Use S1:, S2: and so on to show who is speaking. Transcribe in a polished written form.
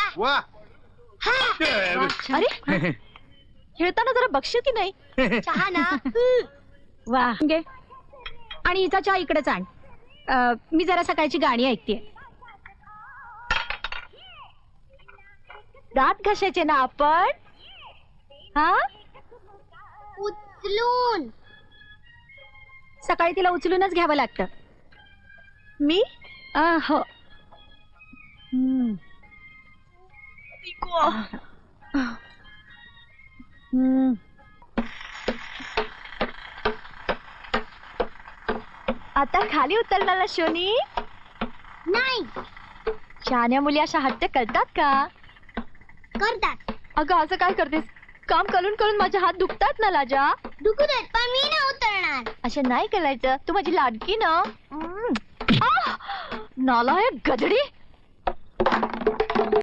S1: वा
S2: अरे खेळताना जरा बघशील की नाही?
S3: चहा ना.
S2: वा घे. आणि हिचा चहा इकडेच आण. मी जरा सकाळची गाणी ऐकतेय. दात घासायचे ना आपण? हा
S3: उचलून.
S2: सकाळी तिला उचलूनच घ्यावं लागतं.
S3: मी
S2: हो. आता खाली उतरणार ना शोनी?
S3: नाही
S2: शहाण्या मुली अशा हट्ट करतात का?
S3: करतात.
S2: अगं असं काय करतेस? काम करून करून माझे हात दुखतात ना लाजा.
S3: दुखू देत पण मी नाही उतरणार.
S2: असं नाही करायचं. तू माझी लाडकी ना. नालायक गधडी.